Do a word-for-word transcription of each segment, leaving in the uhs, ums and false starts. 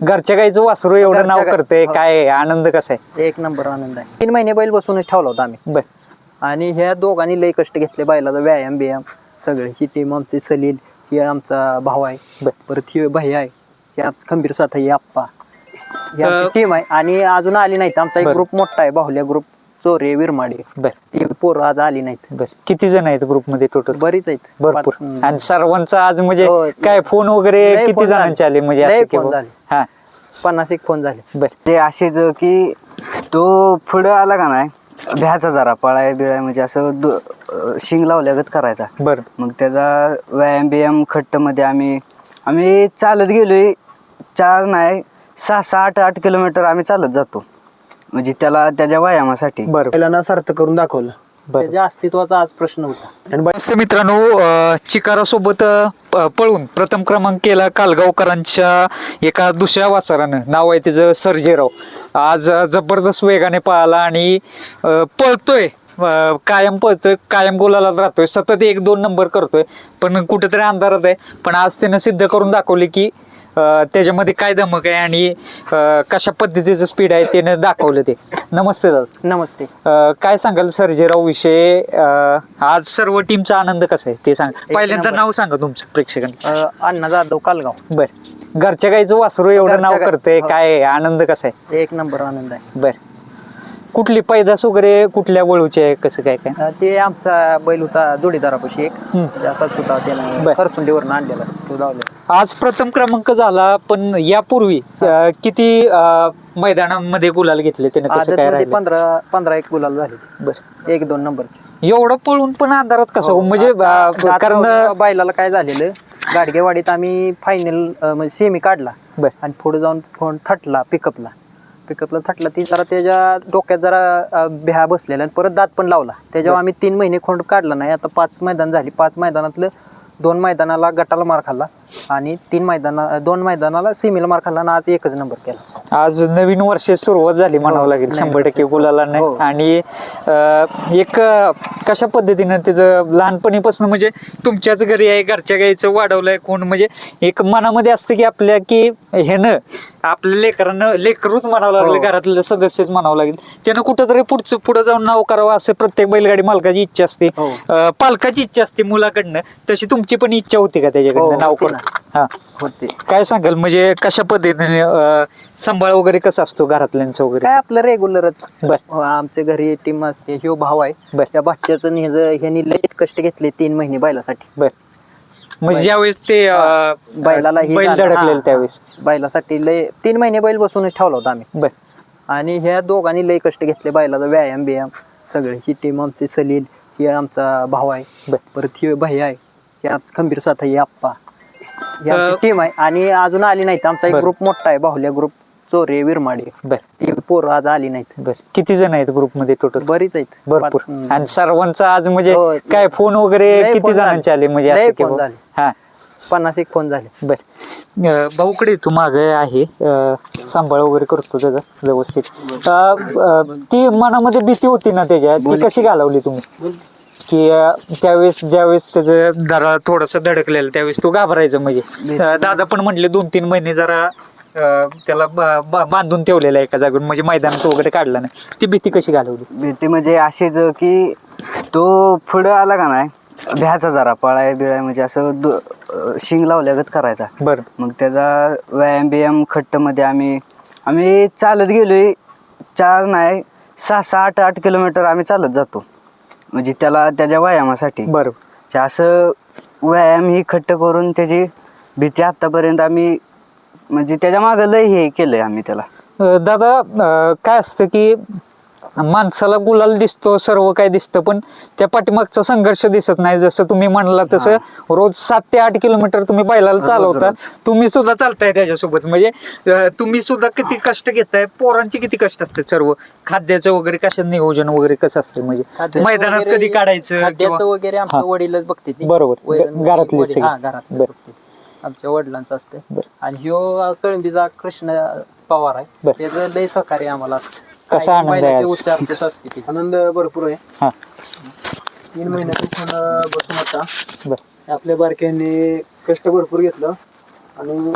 घरच्या गाईचं वासरू एवढं नाव करतंय, काय आनंद कसा आहे? एक नंबर आनंद आहे. तीन महिने बैल बसूनच ठेवला होता आम्ही. बर. आणि ह्या दोघांनी लय कष्ट घेतले बैलाचा, व्यायाम बियाम सगळे. ही टीम आमची सलील, ही आमचा भाऊ आहे. बर. परत ही भैया आहे, ही आमचा खंबीर साथ आहे, आप्पा. ही आमची टीम आहे. आणि अजून आली नाहीत. आमचा एक ग्रुप मोठा आहे, बाहुल्या ग्रुप, चोरे विरमाडे. बर. ती पोरं आज आली नाहीत. बर. किती जण आहेत ग्रुप मध्ये टोटल? बरीच आहेत, भरपूर. आणि सर्वांचा आज म्हणजे काय फोन वगैरे किती जणांचे आले म्हणजे असं की हा पन्नास एक फोन झाले. बर. ते असेच की तो पुढं आला का नाही, भ्याचा जरा पळाय बिळाय म्हणजे असं शिंग लावल्यागत करायचा. बर. मग त्याचा व्यायाम बियाम खट्ट मध्ये आम्ही आम्ही चालत गेलोय, चार नाही सहा सहा आठ आठ किलोमीटर आम्ही चालत जातो, म्हणजे त्याला त्याच्या व्यायामासाठी. बरं. बैलांना सार्थ करून दाखवलं. त्याच्या अस्तित्वाचा आज प्रश्न होता. आणि बरेचसे मित्रांनो, चिकारा सोबत पळून प्रथम क्रमांक केला कालगावकरांच्या एका दुसऱ्या वासरानं, नाव आहे त्याचं सर्जेराव. आज जबरदस्त वेगाने पळाला आणि पळतोय, कायम पळतोय, कायम गोलाला राहतोय, सतत एक दोन नंबर करतोय, पण कुठेतरी अंधारात आहे. पण आज त्यानं सिद्ध करून दाखवले की त्याच्यामध्ये काय धमक आहे आणि कशा पद्धतीचं स्पीड आहे त्याने दाखवलं ते. नमस्ते दादा. नमस्ते. काय सांगाल सर्जेराव विषय? आज सर्व टीमचा आनंद कसा आहे ते सांग. पहिल्यांदा नाव सांगा तुमचं प्रेक्षकांना. अण्णा जाधव, कालगाव. बर. घरच्या गाईचं वासरू एवढं नाव करतंय, काय आनंद कसा आहे? एक नंबर आनंद आहे. बर. कुठली पैदास वगैरे कुठल्या वळूची आहे, कसं काय काय? ते आमचा बैल होता जोडीदारापाशी एक, असाच होता, त्यानं खरसुंडीवरून आणलेला, तो धावला. आज प्रथम क्रमांक झाला, पण यापूर्वी किती मैदानामध्ये गुलाल घेतले त्याने, कसं काय राहिलं? पंधरा पंधरा एक गुलाल झाले. बर. एक दोन नंबरचे. एवढं पळून पण अंधारात कसं म्हणजे? कारण बैलाला काय झालेलं, गाडगेवाडीत आम्ही फायनल म्हणजे सेमी काढला. बर. आणि पुढे जाऊन फोन थटला पिकअपला पिकअपला थटला ती जरा त्याच्या डोक्यात जरा भ्या बसलेला आणि परत दात पण लावला. त्याच्यावर आम्ही तीन महिने खोंड काढला नाही. आता पाच मैदान झाली, पाच मैदानातलं दोन मैदानाला गटाला मार खाल्ला आणि तीन मैदाना दोन मैदानाला सेमीला मार खाल्ला आणि आज एकच नंबर केला. आज नवीन वर्ष सुरुवात झाली म्हणावं लागेल शंभर टक्के गुलाला नाही. आणि एक कशा पद्धतीनं त्याचं लहानपणीपासून म्हणजे तुमच्याच घरी आहे, घरच्या गाईचं वाढवलंय कोण, म्हणजे एक मनामध्ये असतं की आपल्या की ह्यानं आपल्या लेकरांना लेकरूच म्हणावं लागलं, घरातले सदस्यच म्हणावं लागेल, त्यानं कुठंतरी पुढचं पुढे जाऊन नाव करावं असं प्रत्येक बैलगाडी मालकाची इच्छा असते, पालकाची इच्छा असते मुलाकडनं. तशी तुमची पण इच्छा होती का त्याच्याकडनं नाव करून? हा होते. काय सांगाल म्हणजे कशा पद्धतीने सांभाळ वगैरे कसं असतो घरातल्यांचं वगैरे? काय आपलं रेग्युलरच. बर. आमच्या घरी टीम असते, ह्यो भाव आहे. बर. त्या बाच्याचं ह्यांनी लय कष्ट घेतले तीन महिने बैलासाठी. बर. म्हणजे ज्यावेळेस ते बैलाला बैल धडकलेलं त्यावेळेस बैलासाठी लय तीन महिने बैल बसूनच ठेवला होता आम्ही. बर. आणि ह्या दोघांनी लय कष्ट घेतले बैलाचा, व्यायाम बियाम सगळे. ही टीम आमची सलील, ही आमचा भाऊ आहे. बर. परत ही भैया आहे, ही आमचा खंबीर साथ आहे, आप्पा. ही आमची टीम आहे. आणि अजून आली नाहीत. आमचा एक ग्रुप मोठा आहे, बाहुल्या ग्रुप, चोरे विरमाडे. बर. ती पोरं आज आली नाहीत. बर. किती जण आहेत ग्रुप मध्ये टोटल? बरीच आहेत, भरपूर. आणि सर्वांचा आज म्हणजे काय फोन वगैरे किती जणांचे आले म्हणजे असं की हा पन्नास एक फोन झाले. बर. भाऊकडे तू मागे आहे, सांभाळ वगैरे करतो त्याचा व्यवस्थित. ती मनामध्ये भीती होती ना त्याच्या, ती कशी घालवली तुम्ही? की त्यावेळेस ज्यावेळेस त्याचं जरा थोडस धडकलेलं त्यावेळेस तू घाबरायचं, म्हणजे दादा पण म्हटले दोन तीन महिने जरा त्याला बांधून ठेवलेला एका जागून, म्हणजे मैदानात वगैरे काढला नाही. ती भीती कशी घालवली? भीती म्हणजे अशीच की तो पुढं आला का नाही, भ्याचा जरा पळाय बिळाय म्हणजे असं शिंग लावल्यागत करायचा. बरं. मग त्याचा व्यायाम बियाम खट्ट मध्ये आम्ही आम्ही चालत गेलोय, चार नाही सहा सहा आठ आठ किलोमीटर आम्ही चालत जातो, म्हणजे त्याला त्याच्या व्यायामासाठी. बरोबर. असं व्यायाम ही खट्ट करून त्याची भीती आतापर्यंत आम्ही म्हणजे त्याच्या मागं लय हे केलंय आम्ही त्याला. दादा काय असतं की माणसाला गुलाल दिसतो, सर्व काय दिसतं, पण त्या पाठीमागचा संघर्ष दिसत नाही. जसं तुम्ही म्हणला तसं रोज सात ते आठ किलोमीटर तुम्ही बैलाला चालवता, तुम्ही सुद्धा चालताय त्याच्यासोबत, म्हणजे तुम्ही सुद्धा किती कष्ट घेताय, पोरांचे किती कष्ट असते, सर्व खाद्याचं वगैरे कसं नियोजन वगैरे कसं असतं, म्हणजे मैदानात कधी काढायचं खाद्याचं वगैरे आमच्या वडीलच बघते. बरोबर. घरातले घरातले आमच्या वडिलांचं असतं. आणि ह्यो कळंबीचा कृष्ण पवार आहे, त्याचं लय सहकार्य आम्हाला असतं. कसा आनंद आहे? आनंद भरपूर आहे. तीन महिन्यातून बसून होता. आपल्या बारक्यांनी कष्ट भरपूर घेतलं आणि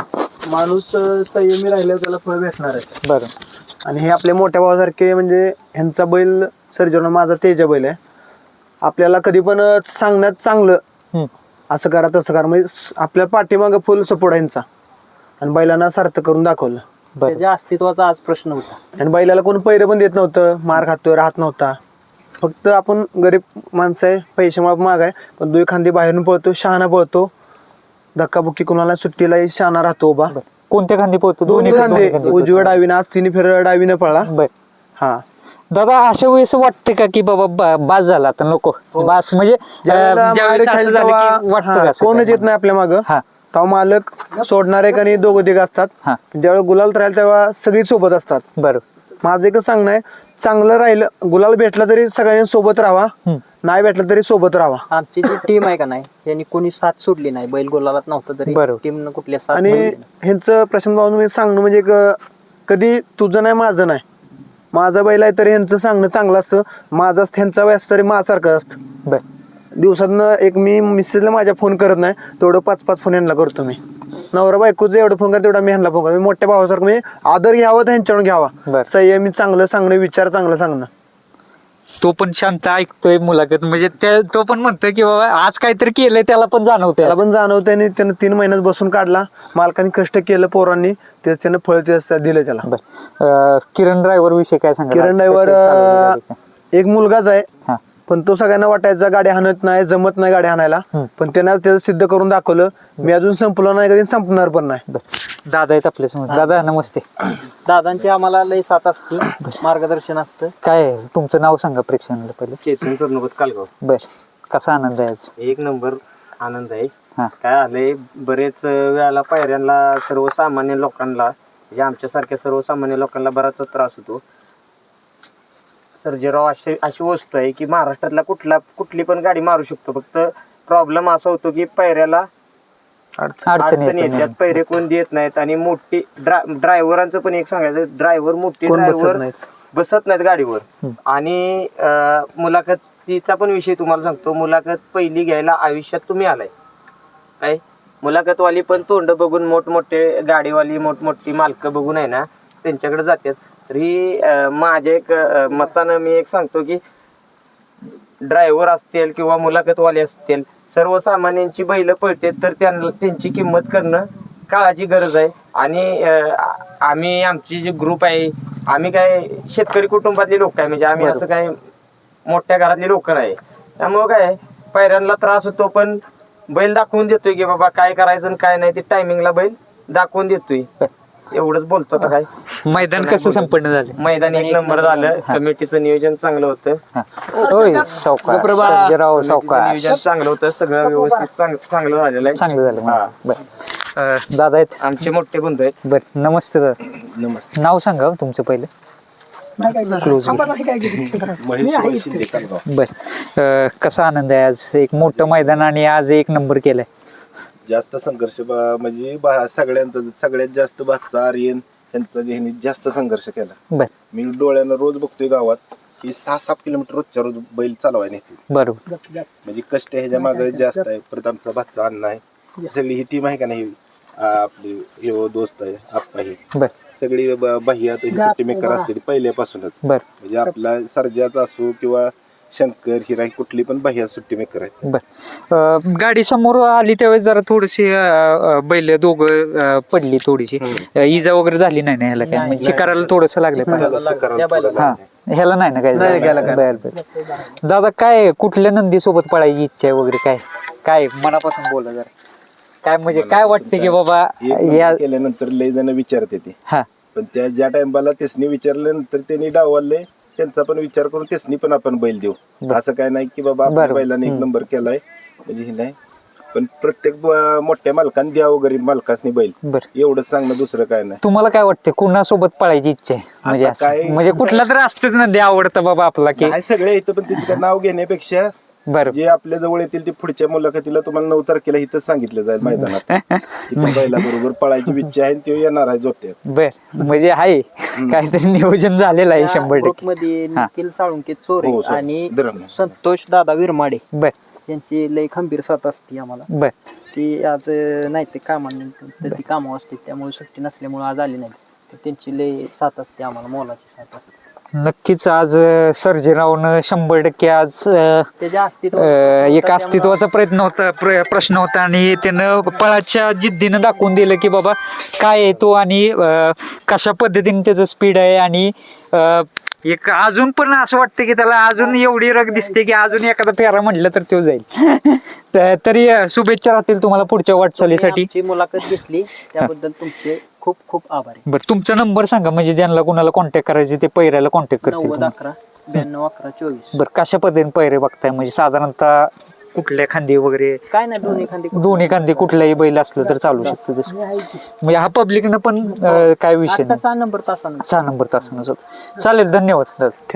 माणूस अं, संयमी राहिल्यावर त्याला फळ भेटणार आहे. बरं. आणि हे आपले मोठ्या भावासारखे म्हणजे ह्यांचा बैल सर्जन माझा तेजा बैल आहे. आपल्याला कधी पण अं, सांगण्यात चांगलं हम्म. असं करा तसं करा म्हणजे स- आपल्या पाठीमागं फुल सपोर्ट आहे ह्यांचा. आणि बैलांना सार्थ करून दाखवलं. बरं. त्याच्या अस्तित्वाचा आज प्रश्न होता. आणि बैलाला कोण पैरं पण देत नव्हतं, मार खातोय राहत नव्हता. फक्त आपण गरीब माणसं आहे, पैसे माग माग आहे, पण दुई खांदी बाहेरून पळतो, शहाणा पळतो, धक्काबुक्की कुणाला सुट्टीलाही शहाणा राहतो उभा. कोणत्या खांदी पोहतो? दोन्ही दोन्ही खांदे खांदी उजव्या डावीनं, आज तिन्ही फेर डावीनं पळला. बर. हा दादा अशा वेळेस वाटते का की बाबा बा- बास झाला आता नको बास म्हणजे अं, ज्यावेळेला ज्यावेळेस मागे असं खाली झालं तेव्हा, की वाटतं हा, का असं कोणच काय? येत नाही आपल्या मागं. हा. तेव्हा मालक सोडणारे का नाही दोघं तिघ असतात. हा. ज्यावेळेस गुलाल राहील तेव्हा सगळी सोबत असतात. बरं. माझं एकच सांगणं आहे, चांगलं राहिलं गुलाल भेटला तरी सगळ्यांनी सोबत राहावा, हम्म. नाही भेटलं तरी सोबत राहावा. आमची जी टीम आहे का नाही यांनी कोणी साथ सोडली नाही. बैल गोलालात नव्हतं तरी बरोबर. टीमनं कुठल्या साथ आणि सोडली नाही. ह्यांचं प्रशांत भाऊ सांगणं म्हणजे एक, कधी तुझं नाही माझं नाही, माझा बैल आहे तरी ह्यांचं सांगणं चांगलं असतं, माझा ह्यांचा व्यास तरी माझ्यासारखं असतं. बर. दिवसातनं एक मी मिसेसला माझ्या फोन करत नाही तेवढं पाच पाच फोन यांना करतो मी. नवरा बायकोचं एवढं फोन करतो तेवढा मी ह्यांना फोन करतो. मी मोठ्या भावासारखं म्हणजे आदर घ्यावा तर ह्यांच्याकडून घ्यावा. बरं. संयमी चांगलं सांगणं, विचार चांगलं सांगणं. तो पण शांत ऐकतोय मुलाखत म्हणजे त्या- तो पण म्हणतोय की बाबा आज काहीतरी केलंय त्याला पण जाणवतंय त्याला असं. पण जाणवतं आणि त्यानं तीन महिन्यात बसून काढला, मालकाने कष्ट केलं पोरांनी, तेच त्यानं फळ तेच दिलं त्याला. बर. अं, किरण ड्रायव्हर विषयी काय सांगा? किरण ड्रायव्हर एक मुलगाच आहे, हा. पण तो सगळ्यांना वाटायचा गाडी हाणत नाही, जमत नाही गाडी हाणायला, पण त्यानं त्याचं सिद्ध करून दाखवलं. मी अजून संपलो नाही, कधी संपणार पण नाही. बर. दादा आहेत आपल्या समोर. दादा नमस्ते. दादांची आम्हाला लय साथ असते, मार्गदर्शन असतं. काय आहे? तुमचं नाव सांगा प्रेक्षकांना पहिले. चेतन सरनोबत कालगाव. बर. कसा आनंद आहे आज? एक नंबर आनंद आहे. हा. काय आलंय, बरेच वेळाला पायऱ्यांना सर्वसामान्य लोकांना म्हणजे आमच्यासारख्या सर्वसामान्य लोकांना बराच त्रास होतो. सर्जेराव अशी अशी वस्तू आहे की महाराष्ट्रातला कुठला कुठली पण गाडी मारू शकतो. फक्त प्रॉब्लेम असा होतो की पायऱ्याला अडचण. अडचण अडचण येते. येतात, पैरे कोण देत नाहीत. आणि मोठी ड्रायव्हरांचं पण एक सांगायचं, ड्रायव्हर मोठी कोण बसत ड्रायव्हर नाहीत. बसत नाहीत गाडीवर. आणि अं, मुलाखतीचा पण विषय तुम्हाला सांगतो, मुलाखत पहिली घ्यायला आयुष्यात तुम्ही आलाय काय. मुलाखतवाली पण तोंड बघून, मोठमोठे गाडीवाली मोठमोठी मालकं बघून आहे ना त्यांच्याकडे जातात. तरी अं, माझ्या एक अं, मतानं मी एक सांगतो की ड्रायव्हर असतील किंवा मुलाखतवाले असतील, सर्वसामान्यांची बैल पळते तर त्यांना त्यांची किंमत करणं काळाची गरज आहे. आणि अं, आम्ही आमची जी ग्रुप आहे, आम्ही काय शेतकरी कुटुंबातली लोक आहे, म्हणजे आम्ही असं काय मोठ्या घरातली लोक नाही. त्यामुळं काय पायऱ्यांना त्रास होतो, पण बैल दाखवून देतोय की बाबा काय करायचं आणि काय नाही ते टायमिंगला बैल दाखवून देतोय. एवढंच बोलतो आता काय. मैदान कसं संपन्न झालं? मैदान एक नंबर झालं, कमिटीचं नियोजन चांगलं होतं, हा. होय सावकार सर्जेराव सावकार नियोजन चांगलं होतं, सगळं व्यवस्थित चांग- चांगलं झालेलं आहे. चांगलं झालं. हा. बर. अं, दादा आहेत. आमचे मोठे बंधू आहेत. बर. नमस्ते दादा. नमस्ते. नाव सांगा हो तुमचं पहिलं. क्लोज. बर. अं, कसा आनंद आहे आज? एक मोठं मैदान आणि आज एक नंबर केलाय. जास्त संघर्ष बा- म्हणजे बा- सगळ्यांचा सगळ्यात जास्त भातचा आर्यन यांचा ह्यांनी जास्त संघर्ष केला. बर. मी डोळ्यानं रोज बघतोय गावात की सहा सात किलोमीटर रोजच्या रोज बैल चालवाय नेते. बरोबर. म्हणजे कष्ट ह्याच्या मागे जास्त आहे. परत आमचा भातचा अण्णा आहे, सगळी ही टीम आहे का नाही, आ, आपली हे दोस्त आहे आप्पा, ही बर. सगळी ब- बाह्यात ही सुट्टी मेकर असते ती पहिल्यापासूनच. बर. म्हणजे आपला सर्जाचा असो किंवा शंकर हिरा कुठली पण बाह्या सुट्टी मेकर आहेत. बर. अं, गाडी समोर आली त्यावेळेस जरा थोडीशी अं, अं, बैल दोघं अं, पडली थोडीशी. अं, इजा वगैरे झाली नाही ना ह्याला काय? म्हणजे चिकाराला थोडस लागलं पाहिजे. त्याला शिकाराला थोडं हा. लागलंय. ह्याला नाही ना काय नाही, झालं? गेला बर बर. दादा काय कुठल्या नंदी सोबत पळायची इच्छा आहे वगैरे काय? काय मनापासून बोला जरा. काय म्हणजे काय वाटते की बाबा एक या नंबर केल्यानंतर लय जण विचारते ते, हा पण त्या ज्या टाइमला त्यासनी विचारल्यानंतर त्यांनी डावलले, त्यांचा पण विचार करून त्यासनी पण आपण बैल देऊ. असं काय नाही की बाबा आपल्या बरोबर. बैलाने एक नंबर केलाय म्हणजे हे नाही, पण प्रत्येक ब- मोठ्या मालकाने द्यावं, गरीब मालकासनी बैल, बर. एवढंच सांगणं, दुसरं काय नाही. तुम्हाला काय वाटते कुणासोबत पळायची इच्छा आहे? म्हणजे आता असं- काय- म्हणजे कुठला तर असतच नंदी आवडतं बाबा आपला की. काय सगळे इथं, पण तिचं नाव घेण्यापेक्षा बरं. जे आपल्या जवळ येतील ते पुढच्या मुलाखतीला तुम्हाला नऊ तारखेला इथंच सांगितलं जाईल मैदानात. इथं बैला बरोबर पळायची इच्छा आहे, तो येणार आहे जोट्यात. बर. म्हणजे आहे काहीतरी नियोजन झालेलं आहे शंभर ग्रुप टक्के. मध्ये हा. निखिल साळुंके चोरे हो, सर. आणि धरण. संतोष दादा विरमाडे बर यांची लय खंबीर साथ असते आम्हाला. बर. ती आज अं, नाही ते कामानिमित्त ती कामावर असते त्यामुळे सुट्टी नसल्यामुळे आज आली नाही. तर त्यांची लय साथ असते आम्हाला, मोलाची साथ असते. नक्कीच आज अं, सर्जेरावनं शंभर टक्के आज अं, त्याच्या अस्तित्व अं, एक अस्तित्वाचा प्रयत्न होता प्र- प्रश्न होता आणि त्यानं पळाच्या जिद्दीनं दाखवून दिलं की बाबा काय आहे तो आणि अं, कशा पद्धतीने त्याचं स्पीड आहे आणि अं, एक अजून पण असं वाटतं की त्याला अजून एवढी रग दिसते की अजून एखादा फेरा म्हटलं तर तो जाईल. तर- तरी अं, शुभेच्छा राहतील तुम्हाला पुढच्या वाटचालीसाठी. आमची मुलाखत घेतली त्याबद्दल तुमचे खूप खूप आभार आहे. बरं तुमचा नंबर सांगा म्हणजे ज्यांना कोणाला कॉन्टॅक्ट करायचे ते पैऱ्याला कॉन्टॅक्ट करतील नव्वद तुम्हाला. अकरा ब्याण्णव अकरा चोवीस. बरं कशा पद्धतीने पैरे बघताय म्हणजे साधारणतः कुठल्या खांदी वगैरे काय नाही दोन्ही खांदी दोन्ही खांदी कुठल्याही बैल असलं तर चालू शकतं तसं म्हणजे हा पब्लिकनं पण अं, काय विषय आता नाही सहा नंबर तासानं सहा नंबर तासानं चालेल. धन्यवाद दादा.